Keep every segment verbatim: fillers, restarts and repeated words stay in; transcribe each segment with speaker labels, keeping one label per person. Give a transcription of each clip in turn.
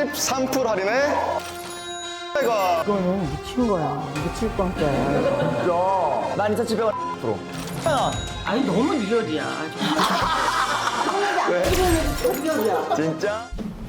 Speaker 1: 십삼 퍼센트 할인에 이거
Speaker 2: 이거는 미친 거야. 미칠 광자야.
Speaker 1: 진짜 만 이천칠백 원 프로.
Speaker 2: 아니 너무 리얼이야.
Speaker 1: 왜? 진짜?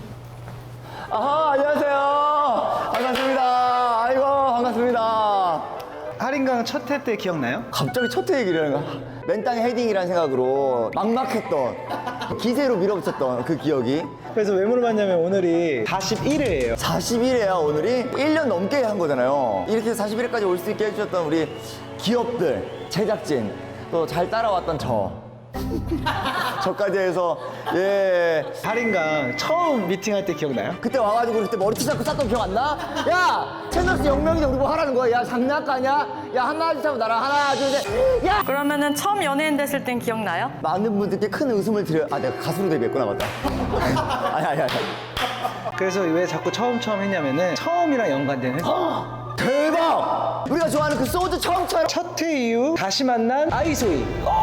Speaker 1: 아하, 안녕하세요. 반갑습니다. 아이고, 반갑습니다.
Speaker 3: 할인강 첫 회 때 기억나요?
Speaker 1: 갑자기 첫 회 얘기를 하는 거야. 맨땅에 헤딩이라는 생각으로 막막했던, 기세로 밀어붙였던 그 기억이.
Speaker 3: 그래서 왜 물어봤냐면 오늘이 사십일 회예요.
Speaker 1: 사십일 회야, 오늘이. 일 년 넘게 한 거잖아요. 이렇게 사십일 회까지 올 수 있게 해주셨던 우리 기업들, 제작진, 또 잘 따라왔던 저. 저까지 해서, 예.
Speaker 3: 할인강 처음 미팅할 때 기억나요?
Speaker 1: 그때 와가지고 그때 머리채 잡고 쌌던 기억 안 나? 야! 채널스 영명인데 우리 뭐 하라는 거야? 야, 장난가냐? 야, 하나, 둘, 셋 하고 나랑 하나, 둘, 셋. 야!
Speaker 4: 그러면은 처음 연예인 됐을 땐 기억나요?
Speaker 1: 많은 분들께 큰 웃음을 드려. 아, 내가 가수로 데뷔했구나, 맞다. 아니, 아니, 아니.
Speaker 3: 그래서 왜 자꾸 처음 처음 했냐면은 처음이랑 연관된 회.
Speaker 1: 대박! 우리가 좋아하는 그 소주 처음처럼.
Speaker 3: 첫 회 이후 다시 만난 아이소이.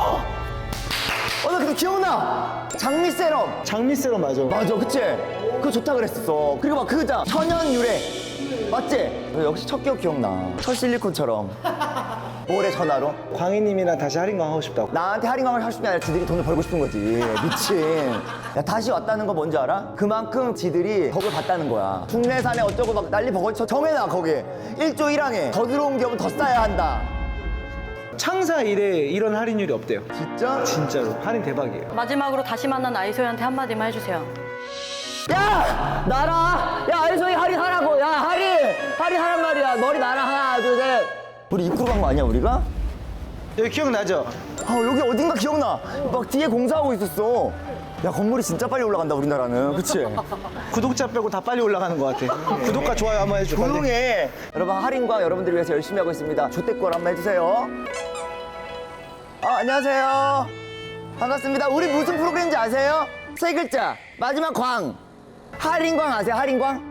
Speaker 1: 어, 나 그거 기억나! 장미 세럼.
Speaker 3: 장미세로 맞아.
Speaker 1: 맞아, 그치? 그거 좋다 그랬었어. 그리고 막 그거잖아. 천연 유래. 맞지? 역시 첫 기억 기억나. 첫 실리콘처럼. 올해 전화로.
Speaker 3: 광희님이랑 다시 할인강 하고 싶다고.
Speaker 1: 나한테 할인광을 할 수 있는 게 아니라 지들이 돈을 벌고 싶은 거지. 미친. 야, 다시 왔다는 거 뭔지 알아? 그만큼 지들이 덕을 봤다는 거야. 국내산에 어쩌고 막 난리 버거지 정해놔, 거기에. 일조 일항에 더 들어온 기업은 더 싸야 한다.
Speaker 3: 창사 이래 이런 할인율이 없대요.
Speaker 1: 진짜?
Speaker 3: 진짜로. 할인 대박이에요.
Speaker 4: 마지막으로 다시 만난 아이소희한테 한마디만 해주세요.
Speaker 1: 야! 나라! 야, 알소이 할인하라고! 야, 할인! 할인하란 말이야. 머리 나라, 하나, 둘, 셋. 우리 입구로 간 거 아니야, 우리가?
Speaker 3: 여기 기억나죠?
Speaker 1: 아, 여기 어딘가 기억나. 막 뒤에 공사하고 있었어. 야, 건물이 진짜 빨리 올라간다, 우리나라는. 그치?
Speaker 3: 구독자 빼고 다 빨리 올라가는 것 같아. 구독과 좋아요 한번 해줘. 빨리.
Speaker 1: 조용해. 여러분, 할인과 여러분들을 위해서 열심히 하고 있습니다. 조태권 한번 해주세요. 아, 안녕하세요. 반갑습니다. 우리 무슨 프로그램인지 아세요? 세 글자. 마지막 광. 할인광 아세요? 할인광?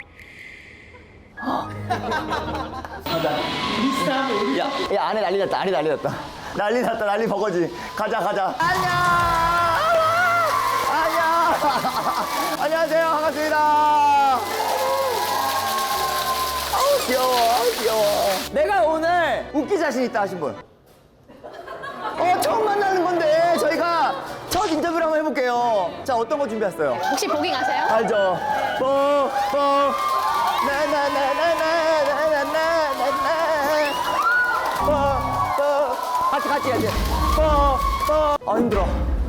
Speaker 1: 야, 야, 안에 난리 났다. 안에 난리 났다. 난리 났다. 난리 버거지. 가자, 가자. 안녕. 안녕. 안녕하세요. 반갑습니다. 아우, 귀여워. 아우, 귀여워. 내가 오늘 웃기 자신 있다 하신 분. 어, 처음 만나는 건데 저희가 첫 인터뷰를 한번 해볼게요. 자, 어떤 거 준비했어요?
Speaker 5: 혹시 보깅 아세요?
Speaker 1: 알죠? 뽀, 뽀, 나나나나나나나나나나 뽀, 뽀 같이 같이 해야지 뽀, 뽀 아, 힘들어.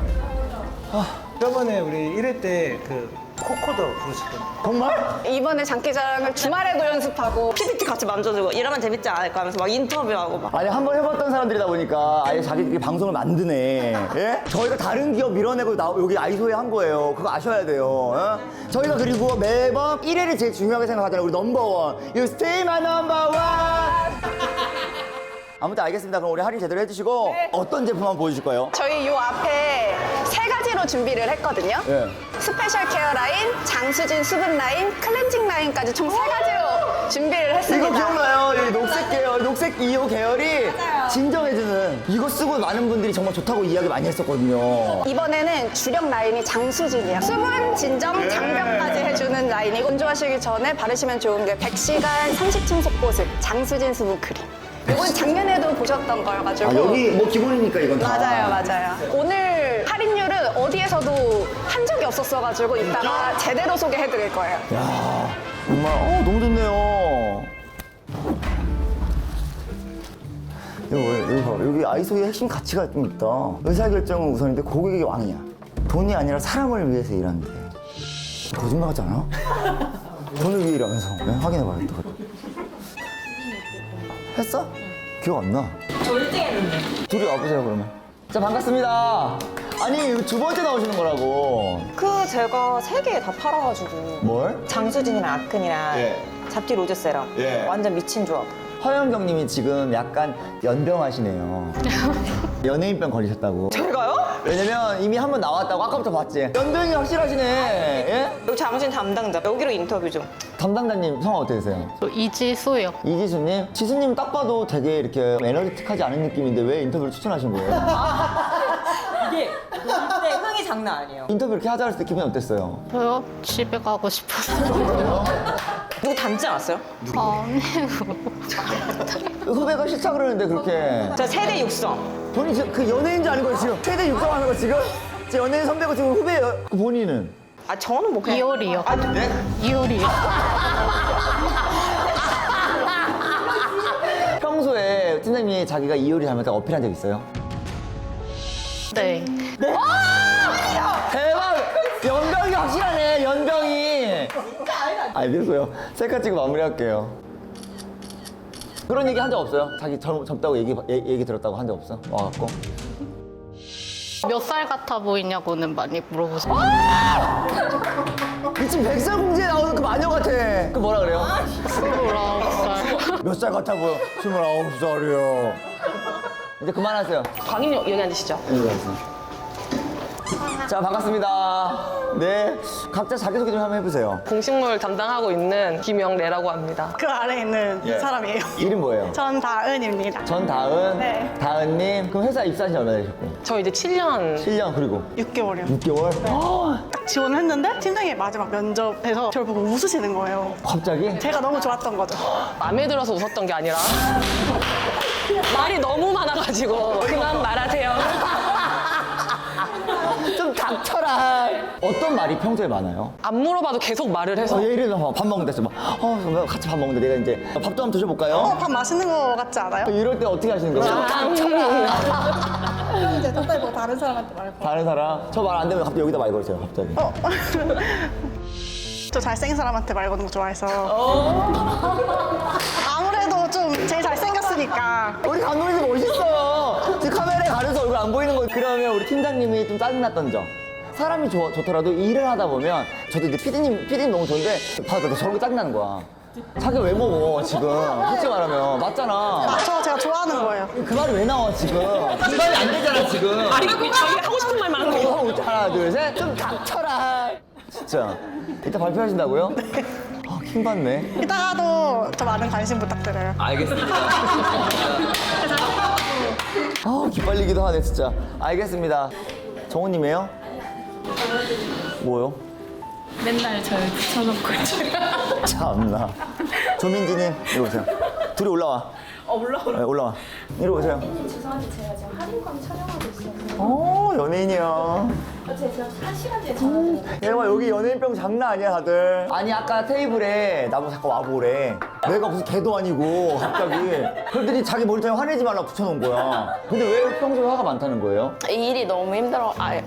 Speaker 3: 저번에 우리 일 회 때 그 코코더 부르셨던.
Speaker 1: 정말?
Speaker 5: 이번에 장기자랑을 주말에도 연습하고 피피티 같이 만져주고 이러면 재밌지 않을까 하면서 막 인터뷰하고 막
Speaker 1: 아니, 한 번 해봤던 사람들이다 보니까 아예 자기들이 방송을 만드네. 예? 저희가 다른 기업 밀어내고 나, 여기 아이소에 한 거예요. 그거 아셔야 돼요. 예? 저희가 그리고 매번 일 회를 제일 중요하게 생각하잖아요. 우리 넘버원. You stay my number one. 아무튼 알겠습니다. 그럼 우리 할인 제대로 해주시고 어떤 제품 한번 보여주실 거예요?
Speaker 5: 저희 요 앞에 세 가지로 준비를 했거든요.
Speaker 1: 예.
Speaker 5: 스페셜 케어 라인, 장수진 수분 라인, 클렌징 라인까지 총 세 가지로 준비를 했습니다.
Speaker 1: 이거 기억나요? 이 녹색 계열, 녹색 이호 계열이 진정해주는 이거 쓰고 많은 분들이 정말 좋다고 이야기 많이 했었거든요.
Speaker 5: 이번에는 주력 라인이 장수진이에요. 수분, 진정, 장벽까지 해주는 라인이 건조하시기 전에 바르시면 좋은 게 백 시간 삼십 층 속보습 장수진 수분 크림. 이건 작년에도 보셨던 거여가지고
Speaker 1: 아, 여기 뭐 기본이니까 이건 다.
Speaker 5: 맞아요, 맞아요. 오늘 할인율은 어디에서도 한 적이 없었어가지고 이따가 제대로 소개해드릴 거예요.
Speaker 1: 야, 정말 어, 너무 좋네요. 여기, 여기 봐봐. 여기 아이소의 핵심 가치가 좀 있다. 의사결정은 우선인데 고객이 왕이야. 돈이 아니라 사람을 위해서 일하는데. 거짓말 같지 않아? 돈을 위해 일하면서. 네, 확인해봐야겠다. 했어? 기억 안 나.
Speaker 4: 저 일 등 했는데.
Speaker 1: 둘이 와보세요, 그러면. 자, 반갑습니다. 아니, 이거 두 번째 나오시는 거라고.
Speaker 6: 그 제가 세 개 다 팔아가지고
Speaker 1: 뭘?
Speaker 6: 장수진이랑 아큰이랑
Speaker 1: 예.
Speaker 6: 잡티 로즈 세럼
Speaker 1: 예.
Speaker 6: 완전 미친 조합.
Speaker 1: 허영경님이 지금 약간 연병하시네요. 연예인병 걸리셨다고.
Speaker 6: 제가요?
Speaker 1: 왜냐면 이미 한 번 나왔다고 아까부터 봤지. 연병이 확실하시네. 예?
Speaker 6: 여기 장수진 담당자 여기로 인터뷰 좀.
Speaker 1: 담당자님 성함 어떻게 되세요?
Speaker 7: 저 이지수요.
Speaker 1: 이지수님? 지수님 딱 봐도 되게 이렇게 에너지틱하지 않은 느낌인데 왜 인터뷰를 추천하신 거예요?
Speaker 6: 이게 그때 흥이 장난 아니에요.
Speaker 1: 인터뷰 이렇게 하자 했을 때 기분이 어땠어요?
Speaker 7: 저요? 집에 가고 싶었어요.
Speaker 6: 누구 닮지 않았어요?
Speaker 1: 후배가 싫다 그러는데 그렇게
Speaker 6: 저 세대 육성.
Speaker 1: 본인 지금 그 연예인 줄 아는 거예요 지금? 최대 육성하는 거 지금? 지금 연예인 선배고 지금 후배예요. 그 본인은?
Speaker 6: 아 저는 뭐 그냥
Speaker 7: 이효리요.
Speaker 6: 아, 네?
Speaker 7: 이효리요.
Speaker 1: 평소에 팀장님이 자기가 이효리 닮았다고 어필한 적 있어요?
Speaker 7: 네.
Speaker 1: 대박! 연병이 확실하네, 연병이. 알겠어요. 셀카 찍고 마무리할게요. 그런 얘기 한 적 없어요? 자기 젊, 젊다고 얘기, 얘- 얘기 들었다고 한 적 없어? 와갖고.
Speaker 7: 몇 살 같아 보이냐고는 많이 물어보세요.
Speaker 1: 미친 백설공주에 나오는 그 마녀 같아. 그 뭐라 그래요?
Speaker 7: 스물아홉 살.
Speaker 1: 몇 살 같아 보여? 스물아홉 살이요. 이제 그만하세요.
Speaker 6: 광인 여기 앉으시죠.
Speaker 1: 여기 앉으세요. 자, 반갑습니다. 네. 각자 자기소개 좀 한번 해보세요.
Speaker 8: 공식물 담당하고 있는 김영래라고 합니다.
Speaker 9: 그 아래에 있는
Speaker 1: 예.
Speaker 9: 사람이에요.
Speaker 1: 이름 뭐예요?
Speaker 9: 전다은입니다.
Speaker 1: 전다은.
Speaker 9: 네.
Speaker 1: 다은님. 그럼 회사 입사한 지 얼마나 되셨고?
Speaker 8: 저 이제 칠 년
Speaker 1: 칠 년 그리고
Speaker 9: 육 개월이요.
Speaker 1: 육 개월?
Speaker 9: 딱 지원을 했는데 팀장이 마지막 면접에서 저를 보고 웃으시는 거예요.
Speaker 1: 갑자기?
Speaker 9: 제가 너무 좋았던 거죠.
Speaker 8: 마음에 들어서 웃었던 게 아니라 말이 너무 많아가지고 그만 말하세요.
Speaker 1: 좀 닥쳐라. 어떤 말이 평소에 많아요?
Speaker 8: 안 물어봐도 계속 말을 해서
Speaker 1: 어, 예를 들어서 밥 먹는다 했어. 막, 어, 그러면 같이 밥 먹는데 내가 이제 밥도 한번 드셔볼까요?
Speaker 9: 어, 밥 맛있는 거 같지 않아요?
Speaker 1: 이럴 때 어떻게 하시는 거예요?
Speaker 9: 이제 갑자기 뭐 다른 사람한테 말고.
Speaker 1: 다른 사람? 저 말 안 되면 갑자기 여기다 말 걸으세요, 갑자기.
Speaker 9: 어. 저 잘생긴 사람한테 말 거는 거 좋아해서. 아무래도 좀 제일 잘생겼으니까.
Speaker 1: 우리 감독님도 멋있어요. 지금 카메라에 가려서 얼굴 안 보이는 거. 그러면 우리 팀장님이 좀 짜증났던 점. 사람이 좋, 좋더라도 일을 하다 보면 저도 이제 피디님, 피디님 너무 좋은데 봐도 저런 게 짜증나는 거야. 자기가 왜 먹어, 지금. 솔직히 말하면. 맞잖아.
Speaker 9: 아, 저 제가 좋아하는 거예요.
Speaker 1: 그 말이 왜 나와, 지금. 그 말이 안 되잖아, 지금.
Speaker 8: 아니 자기 하고 싶은 말만 하는 거.
Speaker 1: 하고 있자. 하나, 둘, 셋. 좀 닥쳐라. 진짜. 이따 발표하신다고요? 네. 아, 킹받네.
Speaker 9: 이따가도 저 많은 관심 부탁드려요.
Speaker 1: 알겠습니다. 아, 기빨리기도 하네, 진짜. 알겠습니다. 정호님이에요? 뭐요?
Speaker 7: 맨날 저를 붙여놓고 있어요.
Speaker 1: 참나. 조민지님, 이리 오세요. 둘이 올라와. 어, 올라와? 네, 올라와. 이리 오세요.
Speaker 10: 죄송한데 제가 지금 할인광 촬영하고 있어서
Speaker 1: 어, 연예인이야.
Speaker 10: 어, 제가 지금 한 시간 뒤에 전화드릴게요.
Speaker 1: 대박, 여기 연예인병 장난 아니야, 다들. 아니, 아까 테이블에 나보고 잠깐 와보래. 내가 무슨 개도 아니고, 갑자기. 그랬더니 자기 모니터에 화내지 말라고 붙여놓은 거야. 근데 왜 평소에 화가 많다는 거예요?
Speaker 7: 일이 너무 힘들어. 아,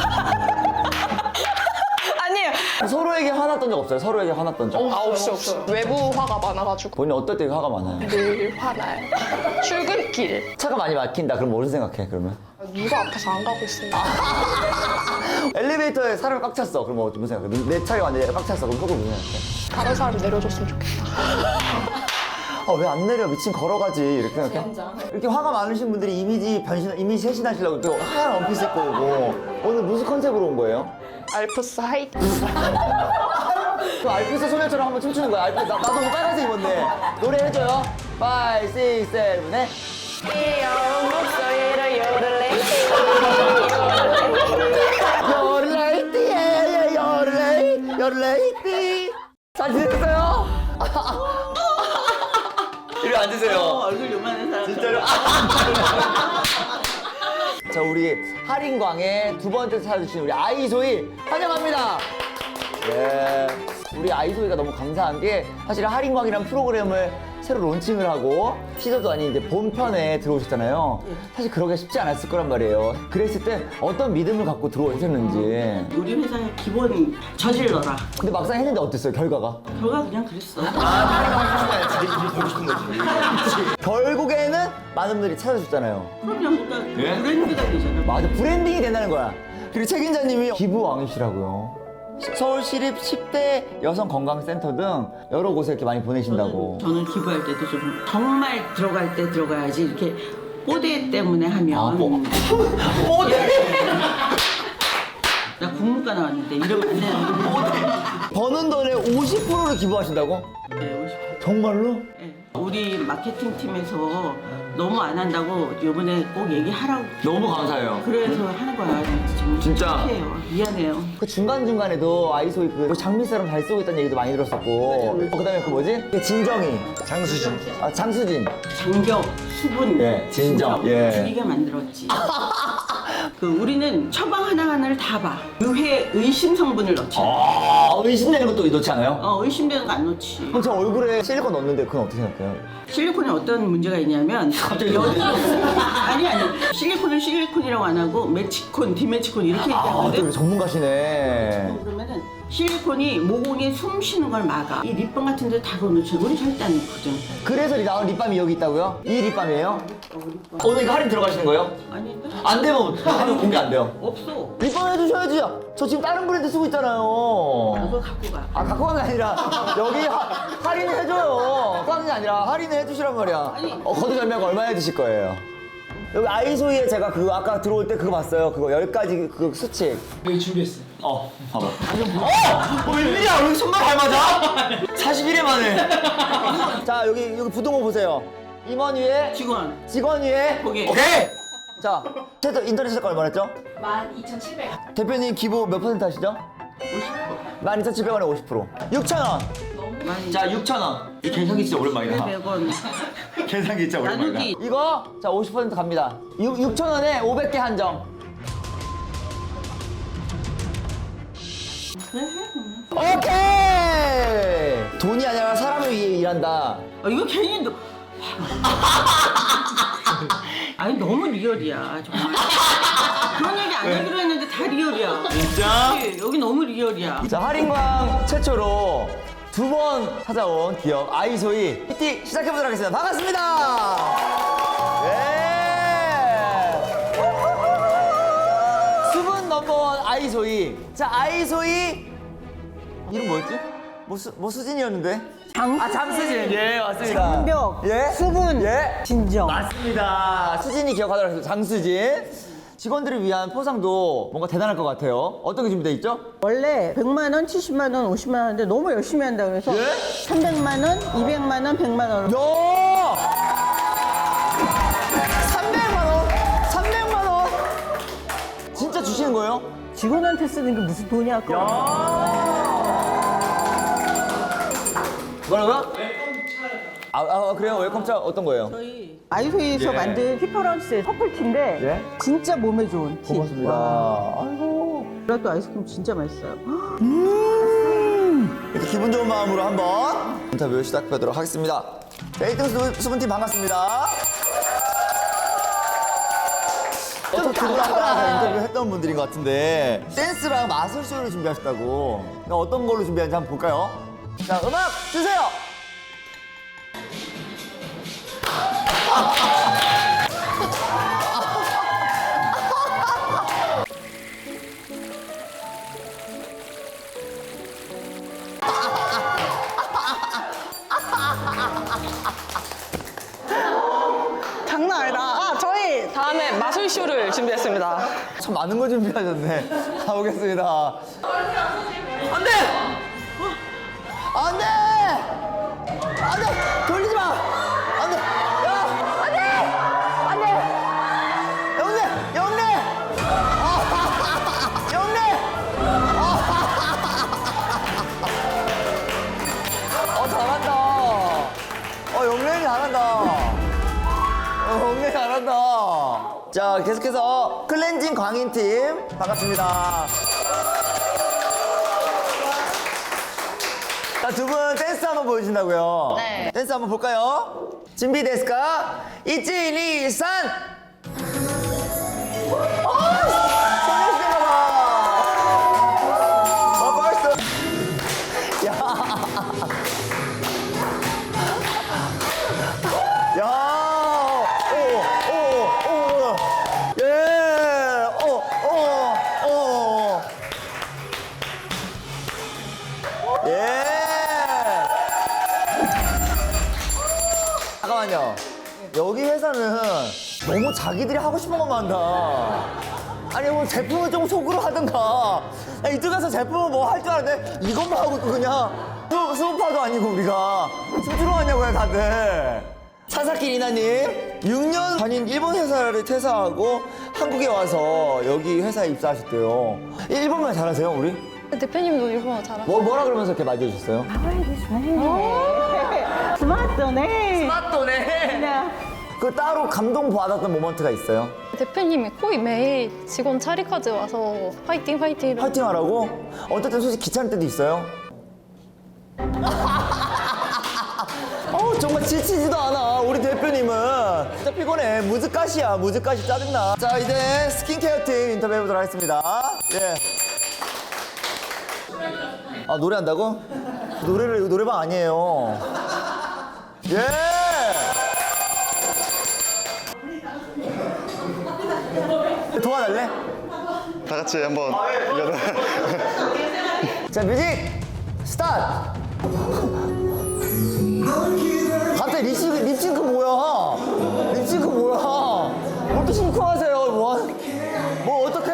Speaker 8: 아니에요.
Speaker 1: 서로에게 화났던 적 없어요? 서로에게 화났던 적?
Speaker 8: 아 없어 없어. 외부 화가 많아가지고
Speaker 1: 본인 어떨 때 화가 많아요?
Speaker 8: 늘 화나요. 출근길
Speaker 1: 차가 많이 막힌다. 그럼 뭐를 생각해, 그러면?
Speaker 8: 누가 앞에서 안 가고 있으니까.
Speaker 1: 엘리베이터에 사람이 꽉 찼어. 그럼 뭐 무슨 생각해? 내 차에 왔는데 꽉 찼어. 그럼 속으로 무슨 생각해?
Speaker 8: 다른 사람 내려줬으면 좋겠다.
Speaker 1: 아, 왜 안 내려? 미친 걸어가지. 이렇게 생각해? 이렇게 화가 많으신 분들이 이미지 변신, 이미지 쇄신하시려고 또 하얀 원피스 입고 오고. 오늘 무슨 컨셉으로 온 거예요?
Speaker 8: 알프스 하이트.
Speaker 1: 그 알프스 소녀처럼 한번 춤추는 거야. 알프스, 나, 나도 뭐 빨간색 입었네. 노래 해줘요. 오, 육, 칠, 팔.
Speaker 8: 귀여운 목소리로 요를레.
Speaker 1: 요르레이띠, 예, 요르레이, 요르레이띠. 잘 지냈어요? 이리 앉으세요.
Speaker 2: 얼굴 요만한 사람.
Speaker 1: 진짜로? 자, 우리 할인광의 두 번째 찾아주신 우리 아이소희 환영합니다. 네. 우리 아이소희가 너무 감사한 게 사실 할인광이라는 프로그램을 새로 론칭을 하고 시즌도 아닌 이제 본편에 들어오셨잖아요. 사실 그러기가 쉽지 않았을 거란 말이에요. 그랬을 때 어떤 믿음을 갖고 들어오셨는지.
Speaker 2: 우리 회사의 기본 저질러라.
Speaker 1: 근데 막상 했는데 어땠어요, 결과가?
Speaker 2: 결과 그냥 그랬어.
Speaker 1: 결국에는 많은 분들이 찾아주셨잖아요.
Speaker 2: 그럼요. 그러니까 브랜드가 되잖아.
Speaker 1: 맞아, 브랜딩이 된다는 거야. 그리고 책임자님이 기부왕이시라고요. 서울시립 십 대 여성건강센터 등 여러 곳에 이렇게 많이 보내신다고.
Speaker 2: 저는 기부할 때도 좀 정말 들어갈 때 들어가야지 이렇게 뽀대 때문에 하면.
Speaker 1: 아, 뽀- 뽀대?
Speaker 2: 나 국문과 나왔는데 이러면 안 되는데.
Speaker 1: 버는 돈의 오십 퍼센트를 기부하신다고?
Speaker 2: 네, 오십 퍼센트.
Speaker 1: 정말로?
Speaker 2: 네. 우리 마케팅 팀에서 너무 안 한다고 요번에 꼭 얘기하라고.
Speaker 1: 너무 감사해요.
Speaker 2: 그래서 하는 거야. 좀
Speaker 1: 진짜?
Speaker 2: 착해요. 미안해요.
Speaker 1: 그 중간중간에도 아이소이 그 장미사랑 잘 쓰고 있다는 얘기도 많이 들었었고. 어, 그 다음에 그 뭐지? 그 진정이.
Speaker 3: 장수진.
Speaker 1: 아, 장수진.
Speaker 2: 장벽, 수분,
Speaker 1: 예, 진정, 예.
Speaker 2: 줄이게 만들었지. 그 우리는 처방 하나하나를 다 봐. 의회 의심 성분을 넣지.
Speaker 1: 아, 의심되는 것도 넣지 않아요?
Speaker 2: 어, 의심되는 거 안 넣지.
Speaker 1: 그럼 저 얼굴에 실리콘 넣었는데 그건 어떻게 생각해요?
Speaker 2: 실리콘에 어떤 문제가 있냐면
Speaker 1: 갑자기
Speaker 2: 여기 아니 아니 실리콘을 실리콘이라고 안 하고 메치콘, 디메치콘 이렇게
Speaker 1: 아,
Speaker 2: 얘기하거든.
Speaker 1: 또 전문가시네.
Speaker 2: 그러면은 실리콘이 모공에 숨 쉬는 걸 막아. 이 립밤 같은 데 다 넣어놓지. 우리 절대 안 넣거든.
Speaker 1: 그래서 나온 립밤이 여기 있다고요? 이 립밤이에요? 오늘 이거 할인 들어가시는 거예요?
Speaker 2: 아니
Speaker 1: 안 되면 할인 공개 안 돼요.
Speaker 2: 없어.
Speaker 1: 립밤 해주셔야지. 저 지금 다른 브랜드 쓰고 있잖아요.
Speaker 2: 그거 갖고 가.
Speaker 1: 아, 갖고 간 게 아니라 여기 하, 할인을 해줘요. 까는 게 아니라 할인을 해주시란 말이야.
Speaker 2: 아니.
Speaker 1: 어, 거두절미하고 얼마나 해주실 거예요? 여기 아이소이에 제가 그거 아까 들어올 때 그거 봤어요. 그거 열 가지 그 수칙.
Speaker 3: 여기 준비했어요.
Speaker 1: 어, 봐봐. 어! 어, 웬일이야? 여기 손만 잘 맞아? 사십일 회 만에. 자, 여기, 여기 부동호 보세요. 임원 위에,
Speaker 2: 직원.
Speaker 1: 직원 위에.
Speaker 2: 고객.
Speaker 1: 오케이! 자, 최저 인터넷 시가 얼마 였죠?
Speaker 10: 만 이천칠백 원.
Speaker 1: 대표님 기부 몇 퍼센트 하시죠? 만 이천칠백 원에 오십 퍼센트. 육천 원.
Speaker 2: 많이.
Speaker 1: 자, 육천 원. 이 계산기 진짜 오랜만이다.
Speaker 2: 백 원.
Speaker 1: 계산기 진짜
Speaker 2: 나누기.
Speaker 1: 이거, 자, 오십 퍼센트 갑니다. 육, 육천 원에 오백 개 한정.
Speaker 2: 그래 해 그러면.
Speaker 1: 오케이! 돈이 아니라 사람을 위해 일한다.
Speaker 2: 아, 이거 괜히 너. 아니 너무 리얼이야 정말. 그런 얘기 안 하기로 했는데 다 리얼이야.
Speaker 1: 진짜?
Speaker 2: 그치? 여기 너무 리얼이야.
Speaker 1: 자, 할인광 최초로 두 번 찾아온 기업 아이소이 피티 시작해보도록 하겠습니다. 반갑습니다. 예. 수분 넘버원 아이소이. 자, 아이소이 이름 뭐였지? 뭐, 수, 뭐 수진이었는데? 장, 아, 장수진. 예, 맞습니다.
Speaker 2: 장벽,
Speaker 1: 예?
Speaker 2: 수분,
Speaker 1: 예?
Speaker 2: 진정.
Speaker 1: 맞습니다. 수진이 기억하도록 하겠습니다. 장수진. 직원들을 위한 포상도 뭔가 대단할 것 같아요. 어떤 게 준비되어 있죠?
Speaker 2: 원래 백만 원, 칠십만 원, 오십만 원인데 너무 열심히 한다 그래서
Speaker 1: 예?
Speaker 2: 삼백만 원, 이백만 원, 백만 원.
Speaker 1: 야! 삼백만 원? 삼백만 원? 진짜 주시는 거예요?
Speaker 2: 직원한테 쓰는 게 무슨 돈이 아까워.
Speaker 1: 뭐라고요? 아, 아 그래요? 웰컴차 어떤 거예요?
Speaker 2: 아이소이에서
Speaker 1: 예.
Speaker 2: 만든 피퍼런스 커플티인데
Speaker 1: 예?
Speaker 2: 진짜 몸에 좋은 티.
Speaker 1: 고맙습니다.
Speaker 2: 와.
Speaker 1: 아이고.
Speaker 2: 그리고 아이스크림 진짜 맛있어요.
Speaker 1: 이렇게 기분 좋은 마음으로 한번 인터뷰 시작하도록 하겠습니다. 데이팅 수분, 수분팀 반갑습니다. 좀 두분하고 인터뷰 했던 분들인 것 같은데 댄스랑 마술쇼를 준비하셨다고. 어떤 걸로 준비하는지 한번 볼까요? 자, 음악 주세요.
Speaker 9: 장난 아니다. 아, 저희
Speaker 8: 다음에 마술쇼를 준비했습니다.
Speaker 1: 참 많은 거 준비하셨네. 가보겠습니다. 안 돼! 안 돼! 안 돼! 돌리지 마! 안 돼! 야! 안 돼! 안 돼! 영래! 영래! 아, 영래! 어, 잘한다. 어, 영래이 잘한다. 어, 영래 잘한다. 자, 계속해서 클렌징 광인팀 반갑습니다. 자, 두 분 댄스 한번 보여주신다고요?
Speaker 7: 네.
Speaker 1: 댄스 한번 볼까요? 준비 됐을까? 이치니 산! 어, 소녀시대가 봐! 어, 벌써. 야. 야. 오, 오, 오. 예. 오, 오, 오. 예. 잠깐만요. 여기 회사는 너무 자기들이 하고 싶은 것만 한다. 아니 뭐 제품을 좀 속으로 하든가. 야, 이쪽 가서 제품을 뭐 할 줄 알았는데 이것만 하고 또 그냥 수, 수업파도 아니고 우리가 춤추러 왔냐고요 다들. 사사키 리나님 육 년 다닌 일본 회사를 퇴사하고 한국에 와서 여기 회사에 입사하셨대요. 일본말 잘하세요 우리?
Speaker 4: 대표님도 일본어 잘하세요.
Speaker 1: 뭐, 뭐라 그러면서 이렇게 맞이해주셨어요?
Speaker 2: 스마트네.
Speaker 1: 스마트네. 그 따로 감동 받았던 모먼트가 있어요?
Speaker 4: 대표님이 거의 매일 직원 차리까지 와서 화이팅 화이팅 이러고
Speaker 1: 파이팅 하라고? 어떨 땐 솔직히 귀찮을 때도 있어요? 어우 정말 지치지도 않아 우리 대표님은. 진짜 피곤해. 무즈가시야 무즈가시 짜증나. 자 이제 스킨케어 팀 인터뷰 해보도록 하겠습니다. 예. 아 노래한다고? 노래를 이거 노래방 아니에요. 예. 도와달래?
Speaker 11: 다 같이 한번 이거는
Speaker 1: 자 뮤직 스타트. 갑자기 립싱크 립싱크 뭐야? 립싱크 뭐야? 뭐 이렇게 싱크하세요? 뭐, 하- 뭐 어떡해?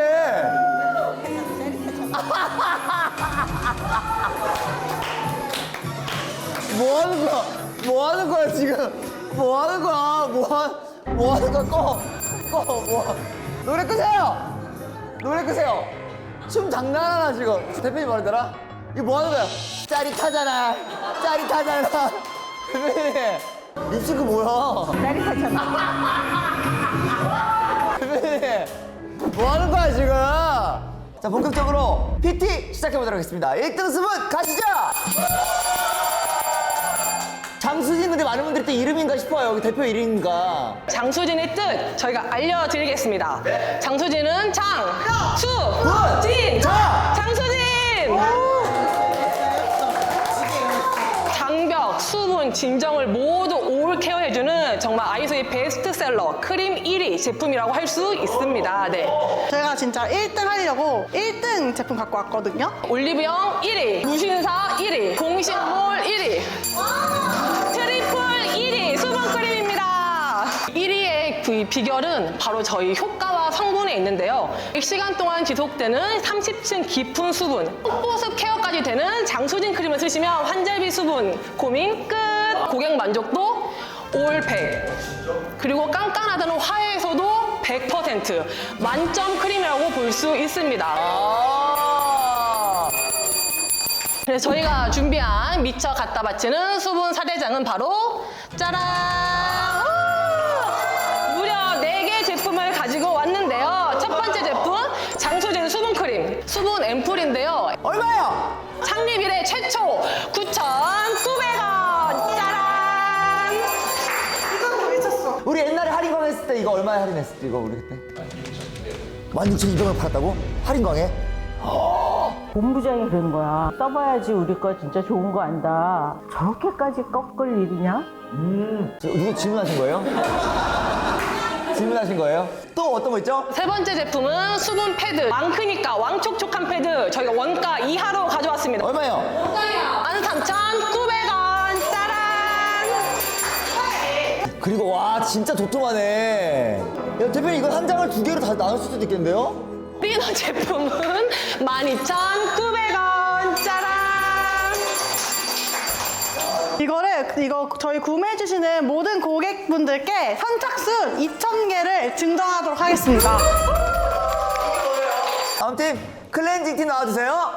Speaker 1: 뭐 하는 거야? 뭐 하는 거야 지금? 뭐 하는 거야? 뭐, 하, 뭐 하는 거야? 꺼! 꺼! 뭐 노래 끄세요! 노래 끄세요! 춤 장난하나 지금? 대표님 말하더라? 이거 뭐 하는 거야? 짜릿하잖아! 짜릿하잖아! 대표님! 립싱크 뭐야? 짜릿하잖아! 대표님! 뭐 하는 거야 지금? 자 본격적으로 피티 시작해보도록 하겠습니다. 일 등 수분 가시죠! 장수진 근데 많은 분들이 또 이름인가 싶어요. 여기 대표 이름인가.
Speaker 8: 장수진의 뜻 저희가 알려드리겠습니다. 장수진은 장, 수,
Speaker 1: 분!
Speaker 8: 진,
Speaker 1: 자!
Speaker 8: 장수진! 장벽, 수분, 진정을 모두 올 케어해주는 정말 아이소의 베스트셀러 크림 일 위 제품이라고 할 수 있습니다. 네.
Speaker 9: 제가 진짜 일 등 하려고 일 등 제품 갖고 왔거든요.
Speaker 8: 올리브영 일 위, 무신사 일 위, 공식몰 일 위, 트리플 일 위 수분크림입니다. 일 위의 그 비결은 바로 저희 효과와 성분에 있는데요. 백 시간 동안 지속되는 삼십 층 깊은 수분, 속보습 케어까지 되는 장수진 크림을 쓰시면 환절비 수분 고민 끝! 고객 만족도 올 백. 그리고 깐깐하다는 화해에서도 백 퍼센트 만점 크림이라고 볼 수 있습니다.
Speaker 1: 아
Speaker 8: 그래서 저희가 준비한 미처 갖다 바치는 수분 사대장은 바로 짜란! 우! 무려 네 개 제품을 가지고 왔는데요. 첫 번째 제품 장수진 수분크림 수분 앰플인데요.
Speaker 1: 얼마요?
Speaker 8: 창립 이래 최초 구천구백 원! 짜란!
Speaker 1: 우리 옛날에 할인광 했을 때 이거 얼마에 할인했을 때 이거 우리 그때? 만 육천이백 원 팔았다고? 할인광에?
Speaker 12: 본부장이 그러는 거야. 써봐야지 우리 거 진짜 좋은 거 안다. 저렇게까지 꺾을 일이냐?
Speaker 1: 음. 저, 누구 질문하신 거예요? 질문하신 거예요? 또 어떤 거 있죠?
Speaker 8: 세 번째 제품은 수분 패드 왕 크니까 왕촉촉한 패드 저희가 원가 이하로 가져왔습니다.
Speaker 1: 얼마요?
Speaker 8: 만 삼천구백 원! 짜란!
Speaker 1: 그리고 와 진짜 도톰하네. 야 대표님 이거 한 장을 두 개로 다 나눌 수도 있겠는데요?
Speaker 8: 리너 제품은 만 이천구백 원! 짜란!
Speaker 9: 이거를 이거 저희 구매해 주시는 모든 고객분들께 선착순 이천 개를 증정하도록 하겠습니다.
Speaker 1: 다음 팀 클렌징 팀 나와주세요.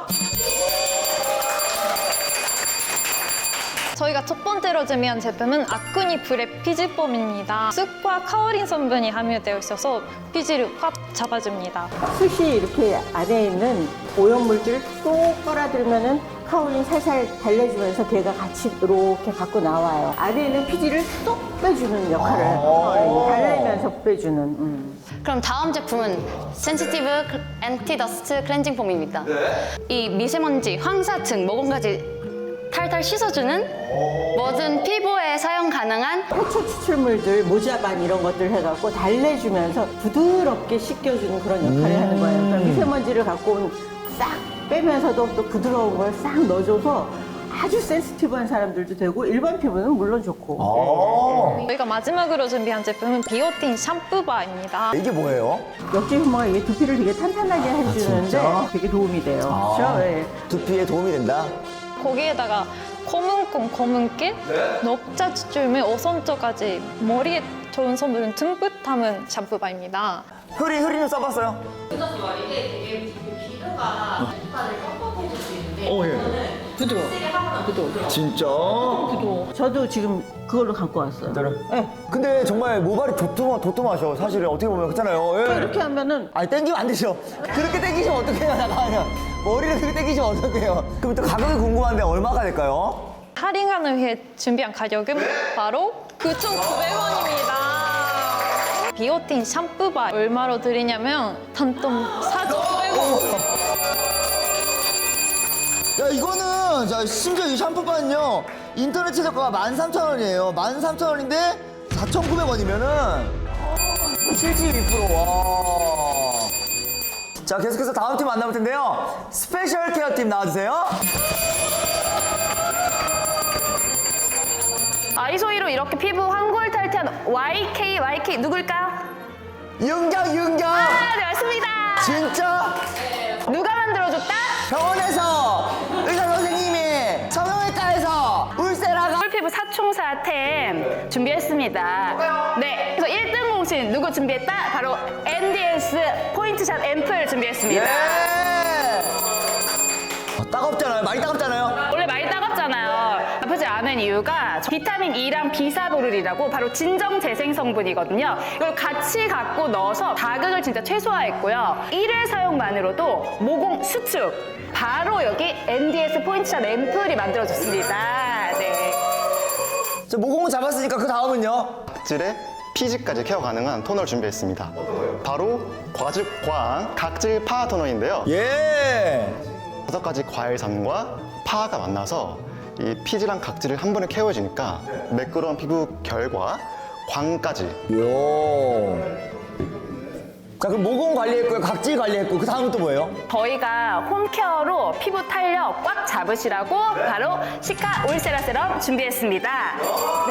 Speaker 4: 저희가 첫 번째로 준비한 제품은 아쿠니 브랩 피지폼입니다. 쑥과 카오린 성분이 함유되어 있어서 피지를 확 잡아줍니다.
Speaker 12: 숱이 이렇게 안에 있는 오염물질을 쏙 빨아들면은 카올린 살살 달래주면서 걔가 같이 이렇게 갖고 나와요. 안에 있는 피지를 쏙 빼주는 역할을 카올린이 달래면서 빼주는. 음.
Speaker 7: 그럼 다음 제품은 센시티브 앤티 더스트 클렌징 폼입니다. 이 미세먼지, 황사증, 모공까지 탈탈 씻어주는 모든 피부에 사용 가능한
Speaker 12: 해초 추출물들, 모자반 이런 것들 해갖고 달래주면서 부드럽게 씻겨주는 그런 역할을 하는 거예요. 그러니까 미세먼지를 갖고 온 싹 빼면서도 또 부드러운 걸 싹 넣어줘서 아주 센시티브한 사람들도 되고 일반 피부는 물론 좋고.
Speaker 4: 저희가 마지막으로 준비한 제품은 비오틴 샴푸바입니다.
Speaker 1: 이게 뭐예요?
Speaker 12: 역지 효모가 이게 두피를 되게 탄탄하게 해주는데
Speaker 1: 진짜?
Speaker 12: 되게 도움이 돼요.
Speaker 1: 아,
Speaker 12: 그렇죠? 네.
Speaker 1: 두피에 도움이 된다.
Speaker 4: 거기에다가 검은콩, 검은깨, 녹자주름을 오선저까지 머리에 좋은 성분을 듬뿍 담은 샴푸바입니다.
Speaker 1: 효리, 효리는 써봤어요?
Speaker 2: 써봤어요. 이게 되게 비누가 색깔을 뻑뻑해질 수 있는데
Speaker 1: 어, 예.
Speaker 2: 이거는
Speaker 8: 부드러워.
Speaker 2: 세게 하거나 부드러워.
Speaker 1: 진짜?
Speaker 12: 저도 지금 그걸로 갖고 왔어요.
Speaker 1: 진짜로?
Speaker 12: 네.
Speaker 1: 근데 정말 모발이 도톰, 도톰하셔. 사실은 어떻게 보면 그렇잖아요. 예.
Speaker 12: 이렇게 하면은
Speaker 1: 아니 땡기면 안 되죠. 그렇게 땡기시면 어떡해요, 나가요. 머리를 그렇게 땡기시면 어떡해요. 그럼 또 가격이 궁금한데 얼마가 될까요?
Speaker 4: 할인을 위해 준비한 가격은 바로 구천구백 원입니다. 비오틴 샴푸바 얼마로 드리냐면 단돈 사천구백 원.
Speaker 1: 야, 이거는, 자, 심지어 이 샴푸바는요, 인터넷 최저가가 만 삼천 원이에요. 만 삼천 원인데 사천구백 원이면은 칠십이 퍼센트. 와. 자, 계속해서 다음 팀 만나볼 텐데요. 스페셜 케어 팀 나와주세요.
Speaker 7: 아이소이로 이렇게 피부 황골 탈퇴한 와이케이 와이케이 누굴까요?
Speaker 1: 윤경, 윤경.
Speaker 7: 아, 네, 맞습니다.
Speaker 1: 진짜?
Speaker 7: 누가 만들어줬다?
Speaker 1: 병원에서 의사 선생님이 성형외과에서 울세라가
Speaker 7: 피부 사총사템 준비했습니다. 네, 그래서 일 등 공신 누구 준비했다? 바로 엔디에스 포인트샷 앰플 준비했습니다.
Speaker 1: 예. 어, 따갑잖아요. 많이 따갑잖아요.
Speaker 7: 원래 많이 따갑잖아요. 아프지 않은 이유가 비타민 E랑 비사보룰이라고 바로 진정 재생 성분이거든요. 이걸 같이 갖고 넣어서 자극을 진짜 최소화했고요. 일 회 사용만으로도 모공 수축. 바로 여기 엔디에스 포인트샷 앰플이 만들어졌습니다. 네.
Speaker 1: 저 모공은 잡았으니까 그 다음은요.
Speaker 11: 각질에 피지까지 케어 가능한 토너를 준비했습니다. 바로 과즙광 각질 파하 토너인데요.
Speaker 1: 예.
Speaker 11: 다섯 가지 과일산과 파가 만나서 이 피지랑 각질을 한 번에 케어해주니까 매끄러운 피부 결과 광까지.
Speaker 1: 요. 자, 그럼 모공 관리했고요. 각질 관리했고 그 다음은 또 뭐예요?
Speaker 7: 저희가 홈케어로 피부 탄력 꽉 잡으시라고 바로 시카 올세라 세럼 준비했습니다. 네.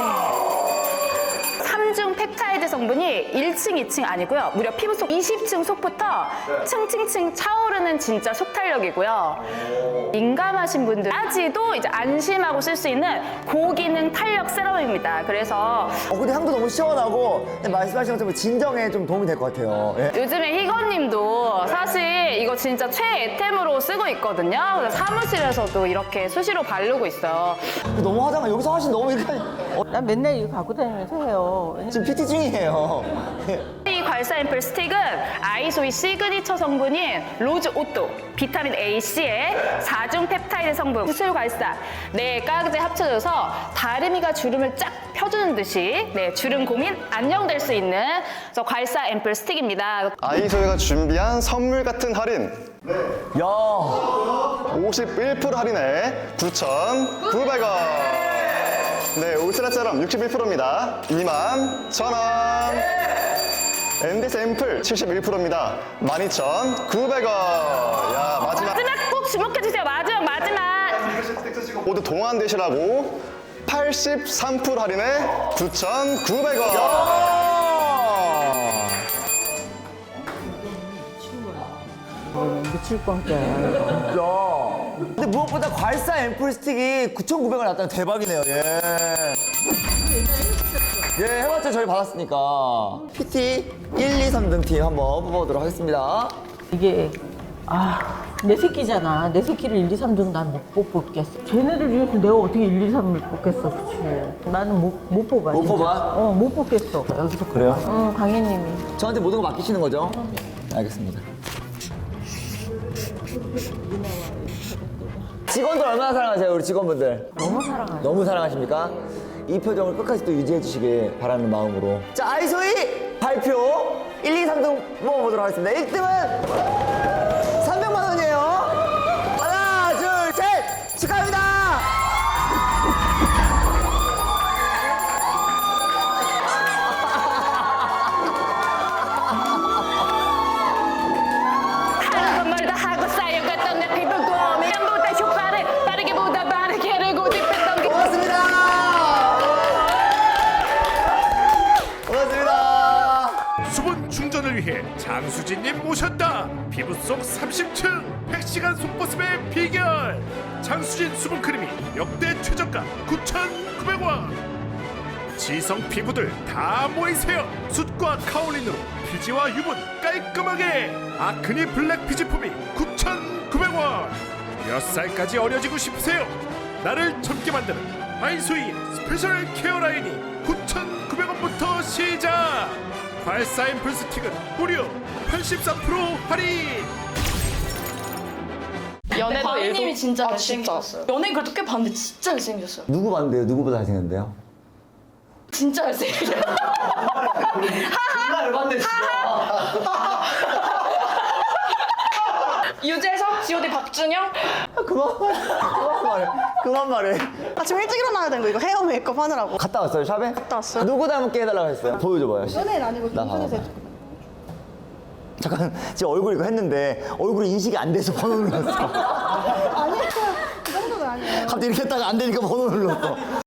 Speaker 7: 삼중 펩타이드 성분이 일 층, 이 층 아니고요. 무려 피부 속 이십 층 속부터 층층층 차오르는 진짜 속탄력이고요. 민감하신 분들까지도 이제 안심하고 쓸 수 있는 고기능 탄력 세럼입니다. 그래서
Speaker 1: 어, 근데 향도 너무 시원하고 말씀하신 것처럼 진정에 좀 도움이 될 것 같아요. 예.
Speaker 7: 요즘에 희건님도 사실 이거 진짜 최애템으로 쓰고 있거든요. 그래서 사무실에서도 이렇게 수시로 바르고 있어요.
Speaker 1: 너무 화장을 여기서 하신 너무 이렇게 어,
Speaker 12: 난 맨날 이거 갖고 다니면서 해요.
Speaker 1: 지금 피티 중이에요.
Speaker 7: 이 괄사 앰플 스틱은 아이소이 시그니처 성분인 로즈 오또, 비타민 A, C에 사중 펩타이드 성분, 구슬 괄사, 네 가지 합쳐져서 다리미가 주름을 쫙 펴주는 듯이 네 주름 고민 안녕될 수 있는 저 괄사 앰플 스틱입니다.
Speaker 11: 아이소이가 준비한 선물 같은 할인.
Speaker 1: 야.
Speaker 11: 오십일 퍼센트 할인에 구천구백 원. 네, 울트라 세럼 육십일 퍼센트입니다. 이만 천 원. 엔디에스 앰플 칠십일 퍼센트입니다. 만 이천구백 원. 야, 마지막.
Speaker 7: 마지막 꼭 주목해주세요. 마지막 마지막.
Speaker 11: 모두 동안되시라고 팔십삼 퍼센트 할인에 구천구백 원.
Speaker 12: 미칠 뻔까요.
Speaker 1: 진짜. 근데 무엇보다 괄사 앰플 스틱이 구천구백 원 났다는 대박이네요. 예. 예, 해봤죠. 저희 받았으니까. 피티 일, 이, 삼 등 팀 한번 뽑아보도록 하겠습니다.
Speaker 12: 이게 아, 내 새끼잖아. 내 새끼를 일, 이, 삼 등 난 못 뽑겠어. 쟤네들 중에서 내가 어떻게 일, 이, 삼을 뽑겠어, 그치? 나는 못, 못 뽑아.
Speaker 1: 못
Speaker 12: 진짜.
Speaker 1: 뽑아?
Speaker 12: 어, 못 뽑겠어. 여기서.
Speaker 1: 그래요?
Speaker 12: 응, 강혜님이.
Speaker 1: 저한테 모든 거 맡기시는 거죠? 알겠습니다. 직원들 얼마나 사랑하세요, 우리 직원분들?
Speaker 12: 너무 사랑하죠.
Speaker 1: 너무 사랑하십니까? 이 표정을 끝까지 또 유지해 주시길 바라는 마음으로. 자, 아이소이 발표 일, 이, 삼 등 뽑아보도록 하겠습니다. 일 등은 삼백만 원이에요. 하나, 둘, 셋! 축하합니다!
Speaker 7: 하루 건물도 하고 쌓여갔던 내 피부 고민보다 효과를 빠르게 보다 빠르게를 고집했던 게
Speaker 1: 고맙습니다! 고맙습니다!
Speaker 13: 수분 충전을 위해 장수진님 모셨다. 피부 속 삼십 층 백 시간 속보습의 비결. 장수진 수분크림이 역대 최저가 구천구백 원. 지성 피부들 다 모이세요. 숯과 카올린으로 피지와 유분 깔끔하게. 아크니 블랙 피지폼이 구천구백 원. 몇 살까지 어려지고 싶으세요? 나를 젊게 만드는 아이소이의 스페셜 케어 라인이 구천구백 원부터 시작. 발사 앰플 스틱은 무려 팔십삼 퍼센트 할인.
Speaker 6: 연애도
Speaker 10: 광희님이
Speaker 6: 일도-
Speaker 10: 진짜
Speaker 6: 아,
Speaker 10: 잘생겼어요. 연예인 그래도 꽤 봤는데 진짜 잘생겼어요.
Speaker 1: 누구 봤는데요? 누구보다 잘생겼는데요?
Speaker 10: 진짜 잘생겼어요.
Speaker 1: 정말 봤는데
Speaker 10: 유재석, 지오디, 박준영.
Speaker 1: 그만 말해. 그만 말해. 그만 말해.
Speaker 9: 아침 일찍 일어나야 되는 거 이거 헤어 메이크업 하느라고.
Speaker 1: 갔다 왔어요, 샵에?
Speaker 9: 갔다 왔어요.
Speaker 1: 누구 닮게 해달라고 했어요? 보여줘봐요.
Speaker 9: 연예인 아니고
Speaker 1: 나
Speaker 9: 김선혜
Speaker 1: 봐봐. 잠깐, 지금 얼굴 이거 했는데 얼굴이 인식이 안 돼서 번호 눌렀어.
Speaker 9: 아니야 그 정도는 아니에요.
Speaker 1: 갑자기 이렇게 했다가 안 되니까 번호 눌렀어.